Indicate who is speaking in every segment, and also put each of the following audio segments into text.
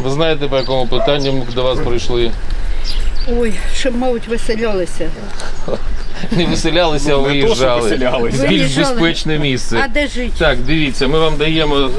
Speaker 1: Ви знаєте, по якому питанню ми до вас прийшли?
Speaker 2: Ой, щоб, мабуть, виселялися.
Speaker 1: Не виселялися, а виїжджали. В більш безпечне місце.
Speaker 2: А де жити?
Speaker 1: Так, дивіться, ми вам даємо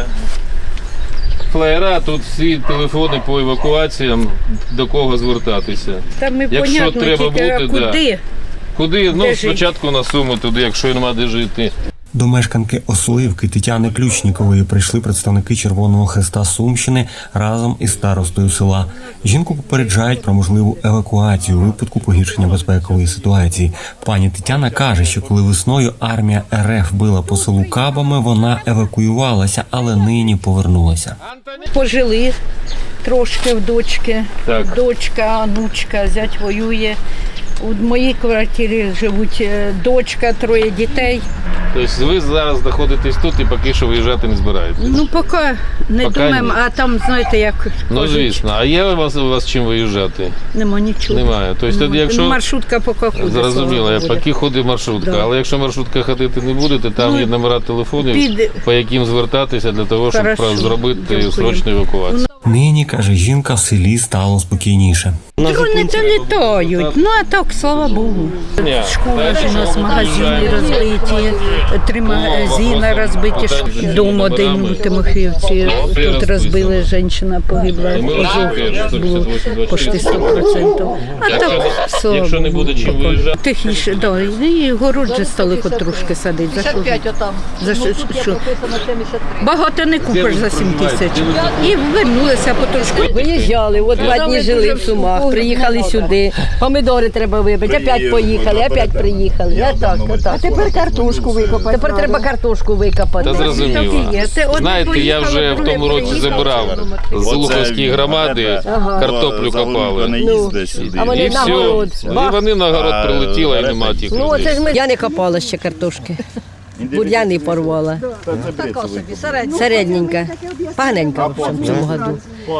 Speaker 1: флаєра, тут всі телефони по евакуаціям, до кого звертатися.
Speaker 2: Там ми,
Speaker 1: Якщо
Speaker 2: понятно,
Speaker 1: треба
Speaker 2: тільки, а
Speaker 1: бути,
Speaker 2: куди?
Speaker 1: Куди? Ну,
Speaker 2: Де
Speaker 1: спочатку на Суми туди, якщо нема де жити.
Speaker 3: До мешканки Ослоївки Тетяни Ключнікової прийшли представники Червоного Хреста Сумщини разом із старостою села. Жінку попереджають про можливу евакуацію у випадку погіршення безпекової ситуації. Пані Тетяна каже, що коли весною армія РФ била по селу кабами, вона евакуювалася, але нині повернулася.
Speaker 2: Пожили трошки в дочки.
Speaker 1: Так.
Speaker 2: Дочка, онучка, зять воює. У моїй квартирі живуть дочка, 3 дітей.
Speaker 1: Тобто ви зараз знаходитесь тут і поки що виїжджати не збираєтесь?
Speaker 2: Ну, поки не
Speaker 1: Поки
Speaker 2: думаємо,
Speaker 1: ні.
Speaker 2: а там, знаєте, як
Speaker 1: Ну,
Speaker 2: кажуть,
Speaker 1: звісно. А є у вас чим виїжджати?
Speaker 2: нема нічого.
Speaker 1: Немає. Тобто, тоді, якщо...
Speaker 2: Маршрутка поки ходить.
Speaker 1: Зрозуміло,
Speaker 2: слава
Speaker 1: я
Speaker 2: Богу.
Speaker 1: поки ходить маршрутка,
Speaker 2: Да.
Speaker 1: але якщо маршрутка ходити не будете, там є номера телефонів,
Speaker 2: Під-
Speaker 1: по яким звертатися для того, щоб
Speaker 2: Хорошо.
Speaker 1: зробити
Speaker 2: Дякую.
Speaker 1: срочну евакуацію.
Speaker 3: Нині, каже жінка, в селі стало спокійніше.
Speaker 2: Дрони то літають, ну а так, слава Богу. Школа ж у нас, магазини розбиті, 3 магазини розбиті, дом один у Тимофіївці, тут розбили, жінка погибла, ожог було почти 100%. А так, слава
Speaker 1: Якщо не
Speaker 2: Богу.
Speaker 1: буде чим виїжджати,
Speaker 2: Тихіше, да, і город же стали хоч трошки садити. За що? За що? Багато не купиш за 7 тисяч. І вернулися потрошку.
Speaker 4: Виїжджали, от 2 дні жили в Сумах, приїхали сюди, помідори треба вибити, опять поїхали, опять приїхали. А тепер картошку викопати. Тепер треба картошку викопати.
Speaker 1: та зрозуміло.
Speaker 2: Одне
Speaker 1: Знаєте, я вже в тому році забирав з Луховської громади, картоплю копали.
Speaker 4: А вони
Speaker 1: І
Speaker 4: на
Speaker 1: все.
Speaker 4: город.
Speaker 1: І вони на город прилетіли, і нема тих
Speaker 4: Ну, це ж
Speaker 1: людей.
Speaker 4: ми. Я не копала ще картошки. Бур'яни порвала. Середненька. Поганенька в общем, в цьому году.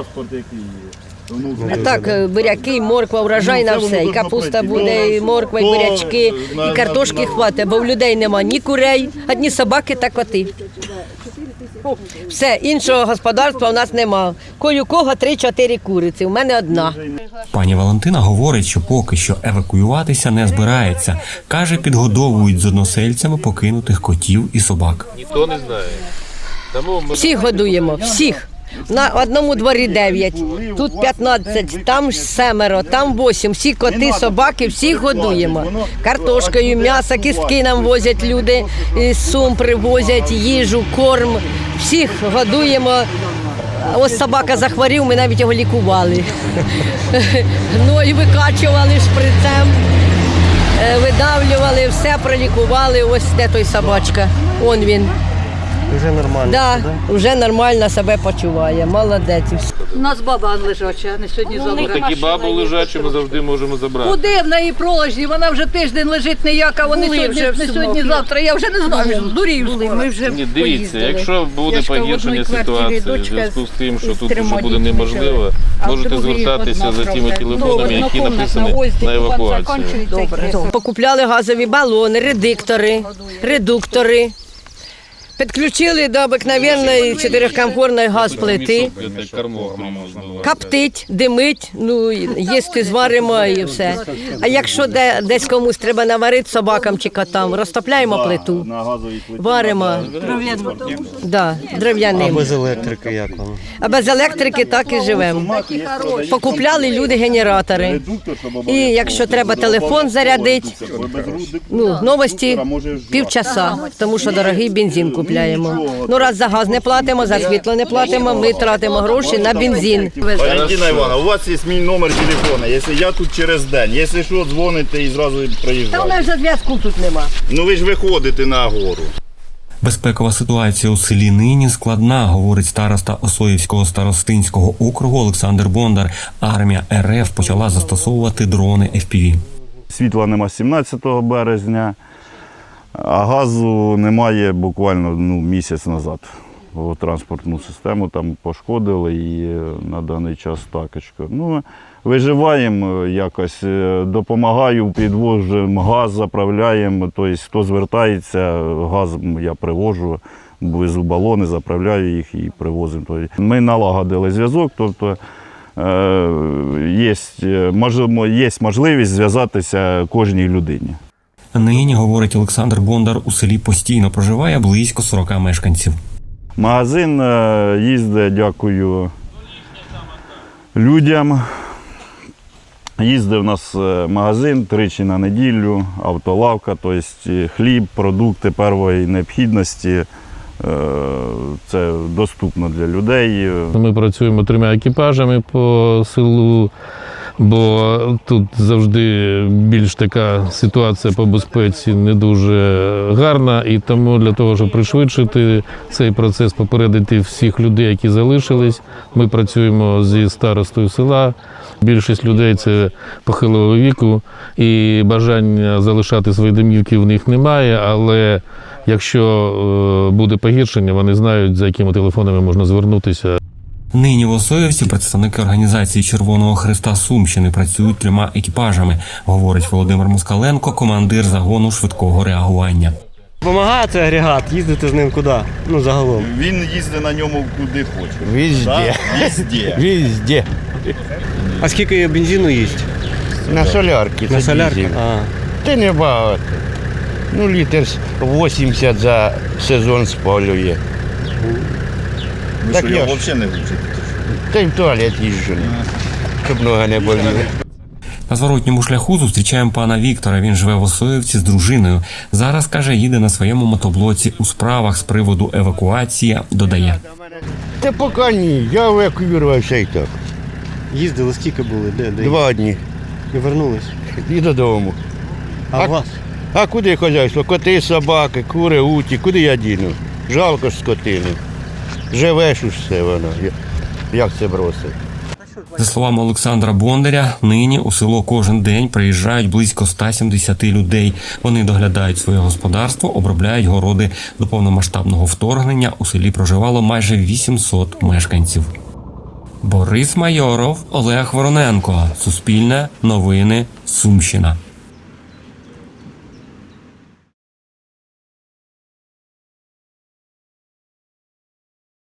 Speaker 4: А так, буряки, морква, урожай на все. І капуста буде, і морква, і бурячки, і картошки хватить, бо в людей нема ні курей, одні собаки та коти. Все, іншого господарства у нас нема. Коль у кого 3-4 куриці, у мене одна.
Speaker 3: Пані Валентина говорить, що поки що евакуюватися не збирається. Каже, підгодовують з односельцями покинутих котів і собак.
Speaker 1: Ніхто не знає. Тому ми...
Speaker 4: Всіх годуємо, всіх. На одному дворі 9, тут 15, там 7, там 8. Всі коти, собаки, всіх годуємо. Картошкою, м'ясо, кістки нам возять люди, з Сум привозять, їжу, корм. Всіх годуємо. Ось собака захворів, ми навіть його лікували. Ну і викачували шприцем, видавлювали, все пролікували. Ось де той собачка, он він.
Speaker 3: Вже нормально.
Speaker 4: Да, вже нормально себе почуває, молодець.
Speaker 5: У нас баба лежача, а не сьогодні-завтра.
Speaker 1: Такі бабу лежачі ми завжди можемо забрати.
Speaker 5: Куди в неї пролежні? Вона вже тиждень лежить ніяка, вони
Speaker 2: Були
Speaker 5: сьогодні,
Speaker 2: вже в
Speaker 5: не
Speaker 2: Сумах.
Speaker 5: сьогодні-завтра. Я вже не знаю, здурів.
Speaker 2: Ми вже
Speaker 1: Ні, дивіться,
Speaker 2: поїздили.
Speaker 1: якщо буде
Speaker 2: Я ж кажу, в
Speaker 1: погіршення
Speaker 2: одній квартирі
Speaker 1: ситуації, в
Speaker 2: дочка
Speaker 1: зв'язку з тим, що
Speaker 2: з
Speaker 1: тут вже
Speaker 2: 3
Speaker 1: буде
Speaker 2: дітьми
Speaker 1: неможливо,
Speaker 2: живе. А в
Speaker 1: можете
Speaker 2: другій
Speaker 1: звертатися
Speaker 2: одна
Speaker 1: за тими
Speaker 2: правда.
Speaker 1: телефонами, які
Speaker 2: Однокомнатна
Speaker 1: написані
Speaker 2: ось,
Speaker 1: на
Speaker 2: де
Speaker 1: евакуацію.
Speaker 2: закінчується.
Speaker 4: Покупляли газові балони, редуктори. Підключили до обикновенної 4-камфорної газплити. Коптить, димить, ну, їсти зваримо і все. А якщо десь комусь треба наварити собакам чи котам, розтопляємо плиту, варимо. Да, дерев'яним.
Speaker 3: Без електрики як вам?
Speaker 4: А без електрики так і живемо. Покупляли люди генератори. І якщо треба телефон зарядити, ну, новості півчаса, тому що дорогий бензин купляємо. Ну, раз за газ не платимо, за світло не платимо, ми тратимо гроші на бензин.
Speaker 6: Валентина Івановна, у вас є мій номер телефону, якщо я тут через день, якщо що, дзвоните і зразу
Speaker 4: Та у
Speaker 6: приїжджаєте.
Speaker 4: нас вже зв'язку тут нема.
Speaker 6: Ну ви ж виходите на гору.
Speaker 3: Безпекова ситуація у селі нині складна, говорить староста Ослоївського старостинського округу Олександр Бондар. Армія РФ почала застосовувати дрони FPV.
Speaker 6: Світла нема з 17 березня, а газу немає буквально місяць назад. Транспортну систему там пошкодили і на даний час такочка. Ну, виживаємо якось, допомагаю, підвожу газ, заправляємо, тобто хто звертається, газ я привожу везу балони, заправляю їх і привозимо. Ми налагодили зв'язок, тобто є можливість зв'язатися кожній людині.
Speaker 3: Нині, говорить Олександр Бондар, у селі постійно проживає близько 40 мешканців.
Speaker 6: Магазин їздить, дякую людям. Їздить у нас магазин тричі на неділю, автолавка, тобто хліб, продукти першої необхідності. Це доступно для людей.
Speaker 1: Ми працюємо 3 екіпажами по селу, бо тут завжди більш така ситуація по безпеці не дуже гарна. І тому для того, щоб пришвидшити цей процес, попередити всіх людей, які залишились, ми працюємо зі старостою села. Більшість людей – це похилого віку, і бажання залишати свої домівки в них немає, але якщо буде погіршення, вони знають, за якими телефонами можна звернутися.
Speaker 3: Нині в Осоївці представники організації Червоного Хреста Сумщини працюють 3 екіпажами, говорить Володимир Москаленко, командир загону швидкого реагування.
Speaker 7: Помагає цей агрегат, їздити з ним куди? Ну, загалом.
Speaker 6: Він їздить на ньому куди хоче.
Speaker 8: Везде.
Speaker 6: Везде.
Speaker 8: Везде.
Speaker 7: А скільки бензину їсть?
Speaker 8: На солярки.
Speaker 7: На
Speaker 8: це
Speaker 7: солярках?
Speaker 8: дизель.
Speaker 7: А.
Speaker 8: Та не багато. Ну, літр 80 за сезон спалює.
Speaker 6: Ви
Speaker 8: Так
Speaker 6: що, його
Speaker 8: я ж.
Speaker 6: взагалі не вчите?
Speaker 8: Та й в туалет їжджу, щоб нога не боліла.
Speaker 3: На зворотньому шляху зустрічаємо пана Віктора. Він живе в Осоївці з дружиною. Зараз, каже, їде на своєму мотоблоці у справах з приводу евакуації, додає.
Speaker 8: Та поки ні, я евакуювався і так.
Speaker 7: Їздили, скільки були? Де?
Speaker 8: 2 дні.
Speaker 7: І вернулись.
Speaker 8: І додому.
Speaker 7: А у вас?
Speaker 8: А куди хазяйство? Коти, собаки, кури, уті, куди я діну? Жалко ж скотини. Живеш уж все воно. Як це бросить?
Speaker 3: За словами Олександра Бондаря, нині у село кожен день приїжджають близько 170 людей. Вони доглядають своє господарство, обробляють городи. До повномасштабного вторгнення у селі проживало майже 800 мешканців. Борис Майоров, Олег Вороненко. Суспільне. Новини. Сумщина.